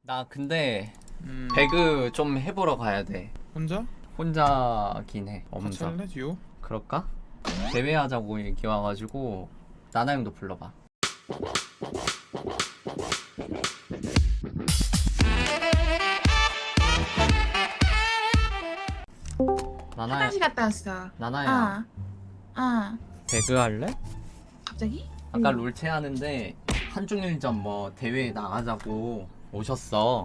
나 근데 배그 좀 해보러 가야 돼. 혼자? 혼자긴 해. 같이 엄청. 할래? 듀오? 그럴까? 대회하자고 얘기 와가지고 나나 형도 불러봐. 나나야, 화장실 갔다 왔어. 나나야, 배그 할래? 갑자기? 아까 롤체 하는데 한중일전 뭐 대회에 나가자고 오셨어.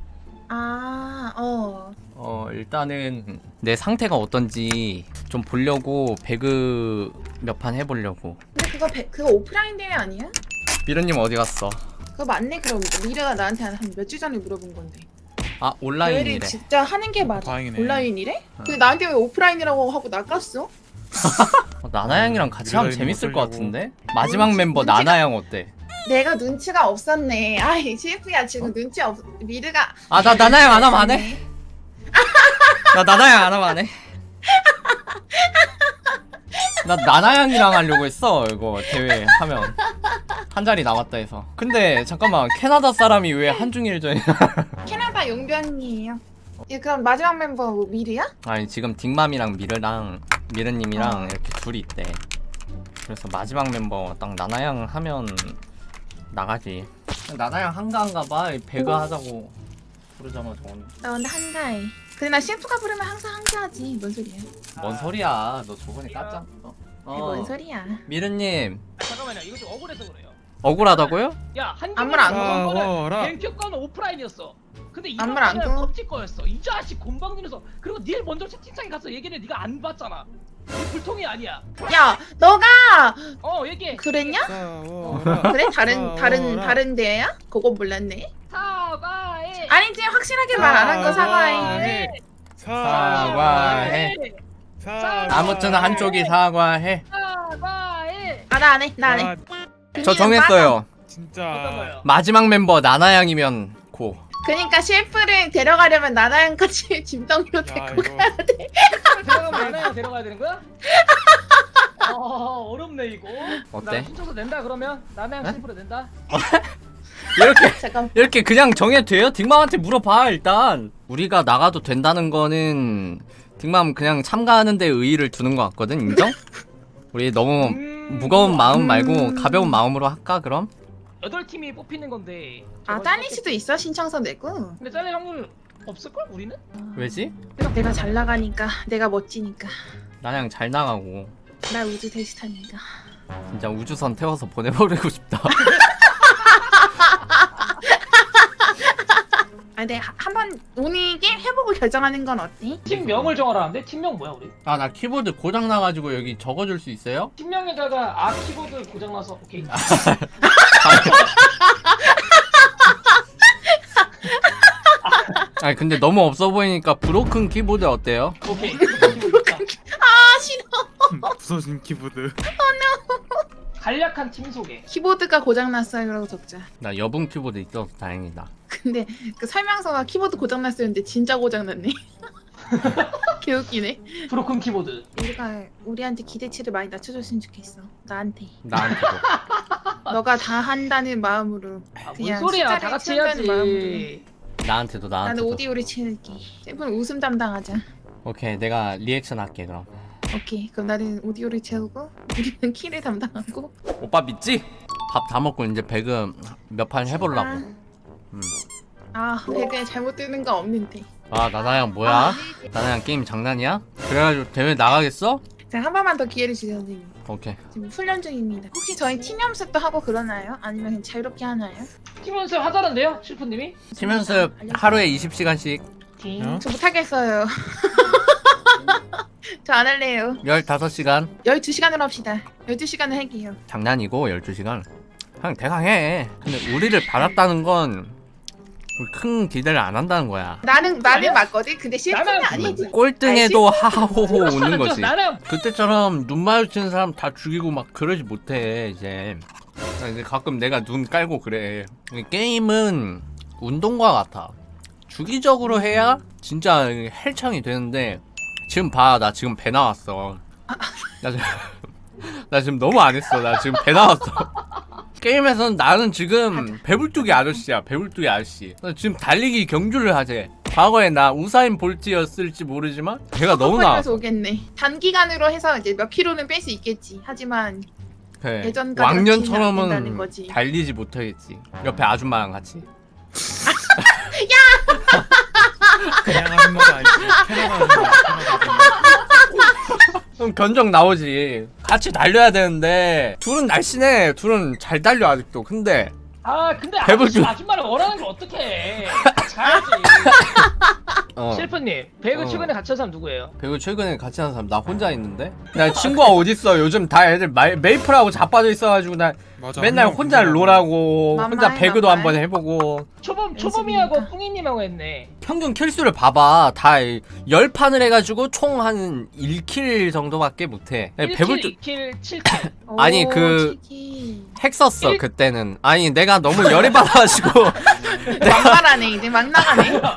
일단은 내 상태가 어떤지 좀 보려고 배그 몇 판 해보려고. 근데 그거 오프라인 대회 아니야? 미르님 어디 갔어? 그거 맞네. 그럼 미래가 나한테 한 몇 주 전에 물어본 건데. 아, 대회를 온라인이래. 진짜 하는 게 맞아. 다행이네. 온라인이래? 근데 나한테 왜 오프라인이라고 하고 나갔어? 나나 형이랑 같이 하면 미르가 재밌을 있는 것 거 같은데? 마지막 멤버 눈치가- 나나 형 어때? 내가 눈치가 없었네. 아이 CF야 지금 눈치 없. 미르가. 아, 나 나나 형 안 하면 안 해? 나 나나 형 안 하면 안 해? 나 나나 형이랑 하려고 했어. 이거 대회 하면 한 자리 남았다 해서. 근데 잠깐만, 캐나다 사람이 왜 한중일전이야? 캐나다 용병이에요. 예, 그럼 마지막 멤버 뭐 미르야? 아니, 지금 딩맘이랑 미르님이랑 이렇게 둘이 있대. 그래서 마지막 멤버 딱 나나 형 하면 나가지. 나나 형 한가한가 봐. 배그 하자고 부르자마자 오늘. 나 근데 한가해. 근데 나 CF가 부르면 항상 한가하지. 뭔 소리야? 뭔 소리야? 너 저번에 깠잖아. 뭔 소리야? 미르님 잠깐만요. 이거 좀 억울해서 그래요. 억울하다고요? 야, 안물 안 꺼라. 뱅큐 거는 오프라인이었어. 근데 이 안물 안 거는 꺼? 펍지 거였어. 이 자식 곤방지면서 그리고 닐 먼저 채팅창에 가서 얘기를 네가 안 봤잖아. 이 불통이 아니야. 야, 너가 얘기해. 그랬냐? 싸워라. 그래? 싸워라. 다른 데야? 그거 몰랐네. 사과해. 아니지, 확실하게 말 안 한 거 사과해. 사과해. 사과해. 아무튼 한쪽이 사과해. 사과해. 아, 나 안 해. 나 안 해. 아, 저 정했어요. 어떤 진짜. 거요? 마지막 멤버 나나 양이면 고. 그러니까 CF를 데려가려면 나랑 같이 짐덩이로 야 데리고 이거 가야 돼. 데려가면 나나야 데려가야 되는 거야? 어렵네 이거. 어때? 나 신청서 낸다 그러면 나나양 네? 실프로 낸다. 잠깐. 이렇게 그냥 정해도 돼요? 딩맘한테 물어봐. 일단 우리가 나가도 된다는 거는 딩맘 그냥 참가하는 데 의의를 두는 것 같거든. 인정? 우리 너무 무거운 마음 말고 가벼운 마음으로 할까 그럼? 8팀이 뽑히는 건데. 아, 딸릴 수도 있어. 신청서 내고. 근데 잘릴 확률 없을걸 우리는? 왜지? 내가 잘 나가니까, 내가 멋지니까, 나냥 잘 나가고 나 우주 대스타니까. 진짜 우주선 태워서 보내버리고 싶다. 아, 네, 한번 오늘 게임 해보고 결정하는 건 어때? 팀명을 정하라는데 팀명 뭐야 우리? 아, 나 키보드 고장 나가지고 여기 적어줄 수 있어요? 팀명에다가 키보드 고장나서 오케이. 아니 근데 너무 없어 보이니까 브로큰 키보드 어때요? 오케이. 아, 싫어. 부서진 키보드. 간략한 팀 소개. 키보드가 고장났어요. 그러고 적자. 나 여분 키보드 있어서 다행이다. 근데 그 설명서가 키보드 고장났었는데 진짜 고장났네. 개웃기네. 브로큰 키보드. 우리가 우리한테 기대치를 많이 낮춰줬으면 좋겠어. 나한테. 나한테도. 너가 다 한다는 마음으로. 뭔 그냥 소리야? 숫자를 다 같이 채운다는 해야지. 나한테도 나는 나한테도. 오디오를 채울게. 샘플 웃음 담당하자. 오케이, 내가 리액션 할게 그럼. 오케이. 그럼 나는 오디오를 채우고 우리는 키를 담당하고. 오빠 믿지? 밥 다 먹고 이제 배그 몇 판 해보려고. 배그에 잘못 뜨는 거 없는데. 아, 나나양 뭐야? 나나양 게임 장난이야? 그래가지고 대회 나가겠어? 자, 한 번만 더 기회를 주세요, 선생님. 오케이. 지금 훈련 중입니다. 혹시 저희 팀 연습도 하고 그러나요? 아니면 그냥 자유롭게 하나요? 팀 연습 하자는데요, 실프님이? 팀 연습 하루에 20시간씩 어? 저 못하겠어요. 저 안 할래요. 15시간. 12시간으로 합시다. 12시간을 할게요. 장난이고 12시간. 그냥 대강 해. 근데 우리를 받았다는 건 큰 기대를 안 한다는 거야. 나는 맞거든. 근데 실패는 나는 아니지. 꼴등에도 하하호호 웃는 거지. 나는 그때처럼 눈 마주치는 사람 다 죽이고 막 그러지 못해 이제. 이제 가끔 내가 눈 깔고 그래. 게임은 운동과 같아. 주기적으로 해야 진짜 헬창이 되는데 지금 봐, 나 지금 배 나왔어. 나 지금 너무 안 했어. 나 지금 배 나왔어. 게임에서는 나는 지금 배불뚝이 아저씨야. 배불뚝이 아저씨. 지금 달리기 경주를 하재. 과거에 나 우사인 볼트였을지 모르지만 배가 너무 나와. 서 오겠네. 단기간으로 해서 이제 몇 킬로는 뺄 수 있겠지. 하지만 그래. 예전과 그렇지는 않는다는 왕년처럼은 거지. 달리지 못하겠지. 옆에 아줌마랑 같이. 그냥 아줌마가 아니지. 캐나다 아줌마. 그럼 견적 나오지. 같이 달려야 되는데 둘은 날씬해. 둘은 잘 달려 아직도. 근데 아 근데 배불뚝. 아줌마를 원하는 걸 어떡해. 잘하지. 셰프님 배그 어. 최근에 같이 한 사람 누구예요? 배우 최근에 같이 하는 사람 나 혼자 있는데? 나 친구가 어딨어. 요즘 다 애들 메이플하고 자빠져 있어가지고 나 맞아. 맨날 한 명 혼자 그냥 롤하고 혼자 만만해, 배그도 만만해. 한번 해보고. 초범이하고 연습이니까. 뿡이님하고 했네. 평균 킬수를 봐봐. 다 10판을 해가지고 총 한 1킬 정도밖에 못해. 1킬, 배불뚝 2킬, 7킬. 아니, 오, 그- 치키. 핵 썼어 일- 그때는. 아니 내가 너무 열이 받아가지고 막말하네. 이제 막 나가네. 뭐야?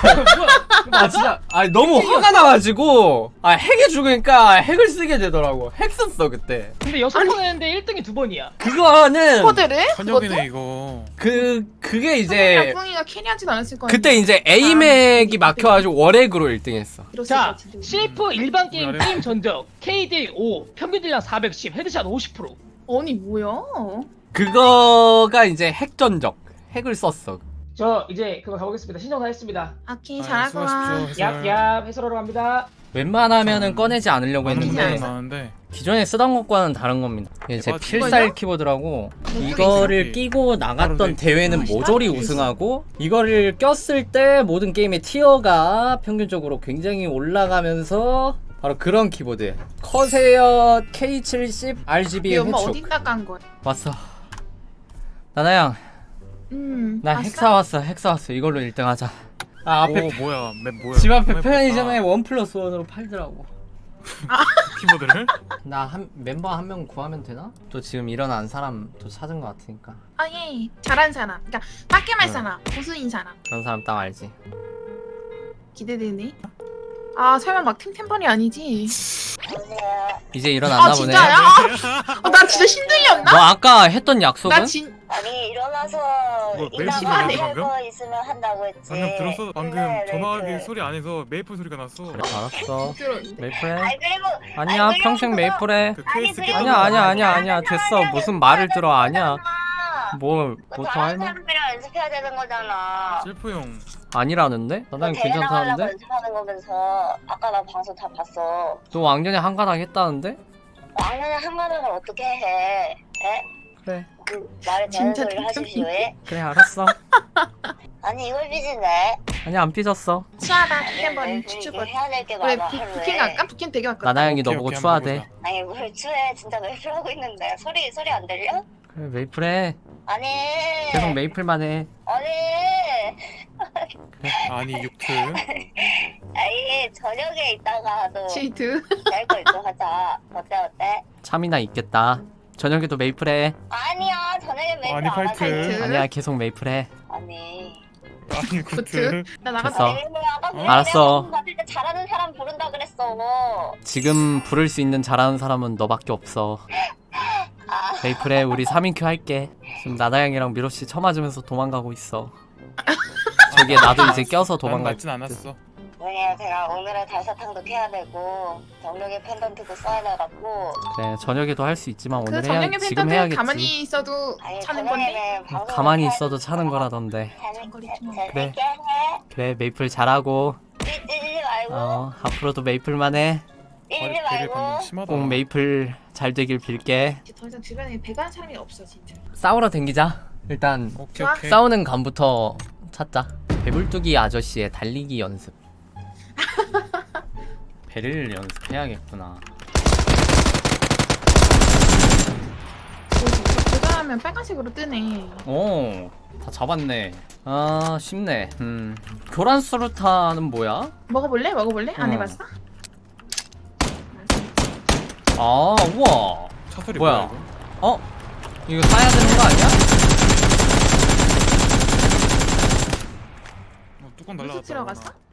아 진짜 아니 너무 화가 나가지고 아 핵이 죽으니까 핵을 쓰게 되더라고. 핵 썼어 그때. 근데 6번 했는데 1등이 2번이야. 그거는 코드를? 현역이네 이거. 그게 이제 뿡이가 캐리하지도 않았을 거야. 그때 이제 에이맥이 막혀가지고 월핵으로 1등했어. 자, CF 일반 게임 우리 아래. 게임 전적 KD 5, 평균 딜량 410, 헤드샷 50%. 아니 뭐야? 그거가 이제 핵 전적. 핵을 썼어. 저 이제 그거 가보겠습니다. 신청 다 했습니다. 아키 아, 잘하구나. 수고하십시오. 해설. 얍얍 해설하러 갑니다. 웬만하면은 꺼내지 않으려고 많은 했는데. 분들이 했는데 많은데. 기존에 쓰던 것과는 다른 겁니다. 이게 제 맞아. 필살 이거요? 키보드라고 이거요? 이거를 끼고 나갔던 바로 대회는 멋있다. 모조리 우승하고 이거를 꼈을 때 모든 게임의 티어가 평균적으로 굉장히 올라가면서 바로 그런 키보드. 커세어 K70 RGB 우리 엄마 회축. 어디다 간 거야? 왔어. 나나양, 나 봤어? 핵 사왔어. 핵 사왔어. 이걸로 1등 하자. 아 앞에 오 뭐야? 맵 뭐야? 집 앞에 맵 편의점에 뭐야? 1+1으로 팔더라고. 키보드를? 나 멤버 한 명 구하면 되나? 또 지금 일어난 사람 또 찾은 것 같으니까. 아 예. 잘한 사람. 그러니까 밖에 말 응. 사람. 고수인 사람. 그런 사람 딱 알지. 기대되네. 아 설마 막 템템버리 아니지? 이제 일어났나 아 보네. 진짜야? 나 진짜 신들렸나? 너 아까 했던 약속은? 나 진. 아니 일어나서 뭐, 이따가 메이플 할 방금? 거 있으면 한다고 했지. 방금 들었어? 방금 네, 전화기 메이플. 소리 안에서 메이플 소리가 났어. 그래 알았어. 들었는데. 메이플해. 아니 그리고 아니야 아니, 평생 그리고 메이플해. 그 아니, 케이스 그리고 깨끗한 아니야 아니야 거 아니야 아니야 됐어. 무슨 말을 들어 아니야. 뭐 뭐 더 다른 할말 사람들이랑 연습해야 되는 거잖아. 셀프 형. 아니라는데? 너 나는 대회 나가려고 괜찮다는데? 연습하는 거면서 아까 나 방송 다 봤어. 너 왕년에 한가닥 했다는데? 왕년에 한가닥을 어떻게 해? 에? 그래 말에 되는 진짜 소리를 하십시오. 템템버리. 예? 그래 알았어. 아니 이걸 삐지네. 아니 안 삐졌어. 수아다 아니, 템템버리 이게 추추버. 해야 될 게 그래 많아. 부킨 하루에. 갈까? 부킨 되게 갈까? 나나양이 오케이, 너보고 오케이, 추하대. 한번 보자. 아니 뭘 추해 진짜 메이플 하고 있는데 소리 안 들려? 그래 메이플해. 아니 계속 메이플만 해. 아니 아니 육트. 아니 저녁에 있다가도 치트. 낼거 있고 하자. 어때? 참이나 있겠다. 저녁에도 메이플해. 아니야 저녁에 메이플 아니, 안 파이트. 하지. 아니야 계속 메이플해. 아니 아니 구트. 구트. 나 나갔다. 됐어. 아니, 아까 그냥 알았어. 내가 봤을 때 잘하는 사람 부른다 그랬어. 지금 부를 수 있는 잘하는 사람은 너밖에 없어. 아 메이플해 우리 3인큐 할게. 지금 나나양이랑 미로씨 쳐맞으면서 도망가고 있어. 저기에 나도 이제 껴서 난 도망갈. 맞진 않았어. 왜냐 제가 오늘은 달사탕도 캐야 되고 정력의 펜던트도 써야 돼갖고 그래 저녁에도 할 수 있지만 그 오늘 해야 정령의 지금 팬들은 해야겠지. 가만히 있어도 아니 차는 건데. 저녁에는 방송을 가만히 해야 있어도 되니까 차는 거라던데. 장거리 좀 그래. 재밌게 해. 그래 메이플 잘하고 삐지지 말고 앞으로도 메이플만 해. 삐지지 되게 말고 방금 심하다. 꼭 메이플 잘 되길 빌게. 이제 더 이상 주변에 배가는 사람이 없어 진짜. 싸우러 댕기자. 일단 오케이 좋아. 오케이. 싸우는 감부터 찾자. 배불뚝이 아저씨의 달리기 연습. 배를 연습해야겠구나. 도전하면 빨간색으로 뜨네. 오, 다 잡았네. 아, 쉽네. 교란 수루타는 뭐야? 먹어볼래? 안 어. 해봤어? 아, 우와. 차 소리 뭐야? 뭐야 이거? 어? 이거 따야 되는 거 아니야? 뚜껑 무슨 날라갔다. 들어갔어?